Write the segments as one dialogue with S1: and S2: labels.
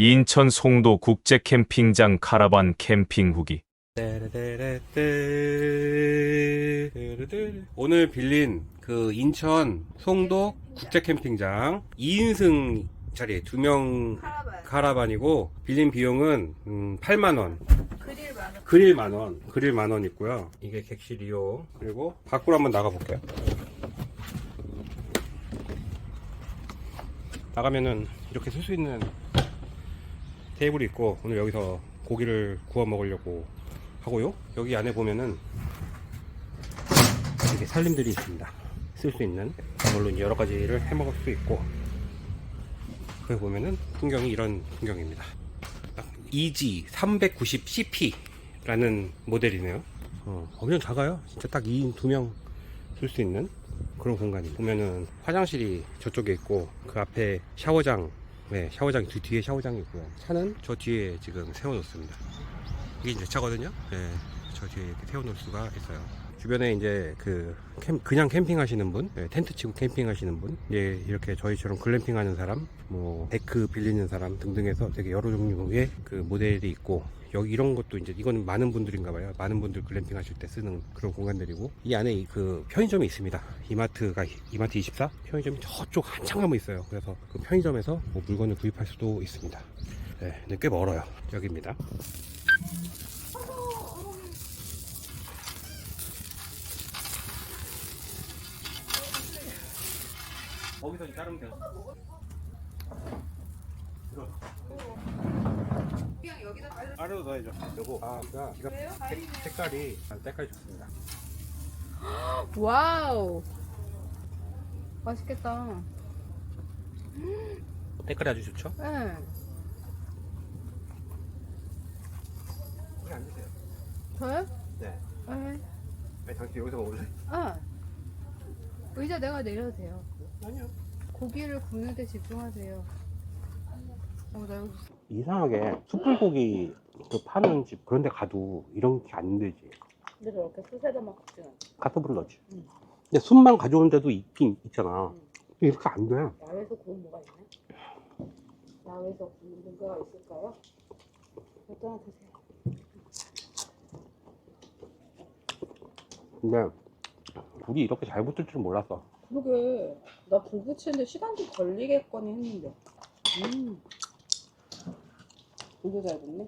S1: 인천 송도 국제 캠핑장 카라반 캠핑 후기.
S2: 오늘 빌린 그 인천 송도 국제 캠핑장 2인승 자리 2명 카라반이고 빌린 비용은 8만원. 그릴 만원 있고요. 이게 객실이요. 그리고 밖으로 한번 나가 볼게요. 나가면은 이렇게 쓸 수 있는 테이블이 있고, 오늘 여기서 고기를 구워 먹으려고 하고요. 여기 안에 보면은 이렇게 살림들이 있습니다. 쓸 수 있는, 물론 여러 가지를 해 먹을 수 있고, 거기 보면은 풍경이 이런 풍경입니다. EG 390cp 라는 모델이네요. 엄청 작아요. 진짜 딱 2인 2명 쓸 수 있는 그런 공간이. 보면은 화장실이 저쪽에 있고, 그 앞에 샤워장, 네, 샤워장 뒤에 샤워장이 있고요. 차는 저 뒤에 지금 세워놓습니다. 이게 이제 차거든요. 네, 저 뒤에 이렇게 세워놓을 수가 있어요. 주변에 이제 그냥 캠핑 하시는 분, 네, 텐트 치고 캠핑 하시는 분, 예, 이렇게 저희처럼 글램핑 하는 사람, 뭐 데크 빌리는 사람 등등 해서 되게 여러 종류의 그 모델이 있고, 여기 이런 것도 이제 이거는 많은 분들인가 봐요. 많은 분들 글램핑 하실 때 쓰는 그런 공간들이고, 이 안에 그 편의점이 있습니다. 이마트 24 편의점이 저쪽 한참 가면 있어요. 그래서 그 편의점에서 뭐 물건을 구입할 수도 있습니다. 네, 근데 꽤 멀어요. 여기입니다. 거기서 자르면 돼요.
S3: 그냥 여기다
S2: 아래로 넣어야죠. 요거 색깔이 좋습니다.
S3: 와우, 맛있겠다.
S2: 색깔이 아주 좋죠?
S3: 네.
S2: 여기 앉으세요.
S3: 저요?
S2: 네.
S3: 네.
S2: 아니, 당신 여기서 먹을래?
S3: 아, 의자 내가 내려도 돼요.
S2: 아니요.
S3: 고기를 굽는 데 집중하세요. 나 여기
S2: 이상하게 숯불고기 그 파는 집 그런 데 가도 이런 게 안 되지.
S3: 근데 저렇게 수세다만 굽지는 않아.
S2: 가스불 넣지.
S3: 응.
S2: 근데 숯만 가져오는 데도 있긴 있잖아. 이렇게 안 돼.
S3: 야외에서 구운 뭐가 있나? 야외에서 구운 뭐가 있을까요? 어떤 하나 드세요.
S2: 근데 불이 이렇게 잘 붙을 줄 몰랐어.
S3: 그러게, 나 불 붙이는데 시간 좀 걸리겠거니 했는데. 불도 잘 붙네.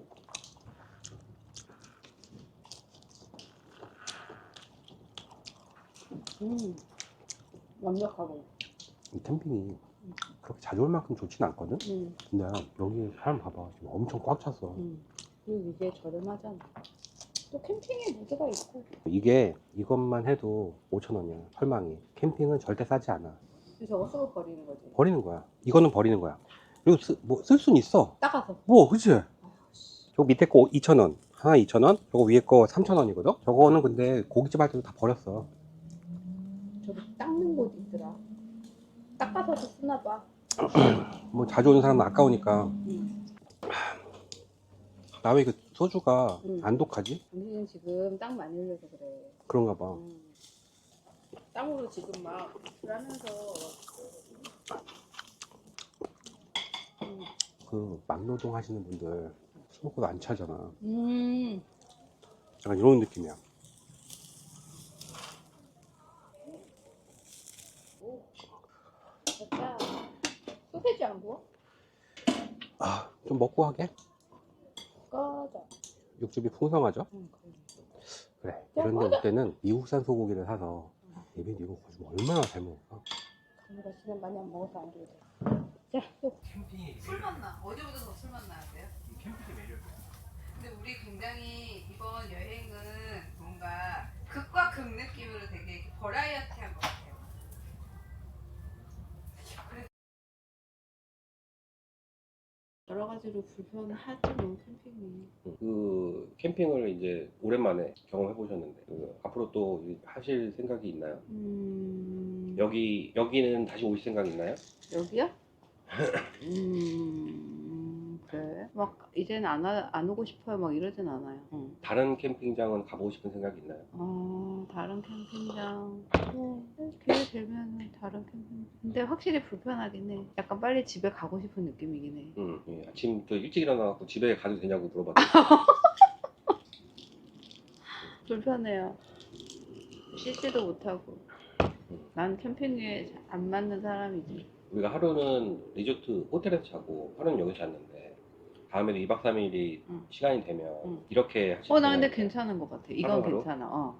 S3: 완벽하고.
S2: 이 캠핑이 그렇게 자주 올 만큼 좋진 않거든?
S3: 음.
S2: 근데 여기 사람 봐봐. 지금 엄청 꽉 찼어.
S3: 그리고 이게 저렴하잖아. 또 캠핑에 무드가 있고.
S2: 이것만 해도 5,000원이야. 설망이. 캠핑은 절대 싸지 않아.
S3: 저거 쓰고 버리는 거지.
S2: 버리는 거야. 이거는 버리는 거야. 그리고 쓸 수는 있어.
S3: 따가서.
S2: 뭐, 그치? 저거 밑에 거 2,000원. 하나 2,000원? 저거 위에 거 3,000원이거든? 저거는 근데 고깃집 할 때도 다 버렸어.
S3: 저기 닦는 곳 있더라. 닦아서도 쓰나 봐.
S2: 뭐 자주 오는 사람은 아까우니까. 나 왜 그 소주가 안 독하지?
S3: 당신은 지금 땀 많이 흘려서 그래.
S2: 그런가 봐.
S3: 땀으로 지금 막 하면서.
S2: 그 막노동 하시는 분들 술 먹고도 안 차잖아. 약간 이런 느낌이야.
S3: 됐다. 소세지 안 구워?
S2: 좀 먹고 하게?
S3: 꺼져.
S2: 육즙이 풍성하죠?
S3: 그래.
S2: 그래. 이런 데 올 때는 미국산 소고기를 사서 예빈 이거 가지고 얼마나 잘 먹을까?
S3: 우리가 지금 많이 안 먹어서 안 줘도 돼. 자, 또.
S4: 술 맛나. 어제보다 더 술 맛나야 돼요?
S2: 이 캠핑의 매력이야.
S4: 근데 우리 굉장히 이번 여행은 뭔가 극과 극 느낌으로 되게 이렇게 버라이어티한 것 같아요.
S3: 여러 가지로 불편하죠, 뭐, 캠핑이.
S2: 그 캠핑을 이제 오랜만에 경험해 보셨는데 앞으로 또 하실 생각이 있나요? 여기는 다시 오실 생각 있나요?
S3: 여기요? 그래. 막 이제는 안 오고 싶어요 막 이러진 않아요.
S2: 다른 캠핑장은 가보고 싶은 생각이 있나요?
S3: 다른 캠핑장 뭐 기회 되면 다른 캠핑. 근데 확실히 불편하긴 해. 약간 빨리 집에 가고 싶은 느낌이긴 해.
S2: 예, 아침부터 일찍 일어나갖고 집에 가도 되냐고 물어봤더니
S3: 불편해요. 씻지도 못하고. 난 캠핑에 안 맞는 사람이지.
S2: 우리가 하루는 리조트 호텔에서 자고 하루는 여기서 잤는데 다음에도 2박 3일이
S3: 응.
S2: 시간이 되면
S3: 응.
S2: 이렇게 하실
S3: 나 근데
S2: 생각이에요?
S3: 괜찮은 것 같아. 이건
S2: 하루하루?
S3: 괜찮아.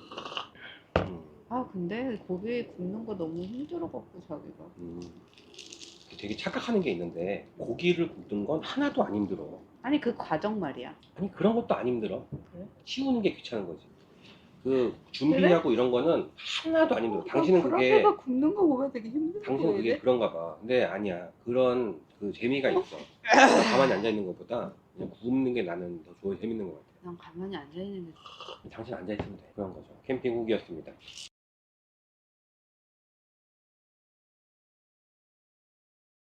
S3: 근데 고기 굽는 거 너무 힘들어갖고 자기가.
S2: 되게 착각하는 게 있는데 고기를 굽는 건 하나도 안 힘들어.
S3: 아니 그 과정 말이야.
S2: 아니 그런 것도 안 힘들어.
S3: 그래?
S2: 치우는 게 귀찮은 거지. 그 준비하고 이런 거는 하나도 안 힘들어. 당신은 그게
S3: 그렇게가 굽는 거 보면 되게 힘들어
S2: 당신은 그게
S3: 보이네.
S2: 그런가 봐. 근데 아니야. 그런 그 재미가 있어. 가만히 앉아 있는 것보다 그냥 굽는 게 나는 더 좋아 재밌는 것 같아.
S3: 난 가만히 앉아 있는 게.
S2: 당신 앉아 있으면 돼. 그런 거죠. 캠핑 후기였습니다.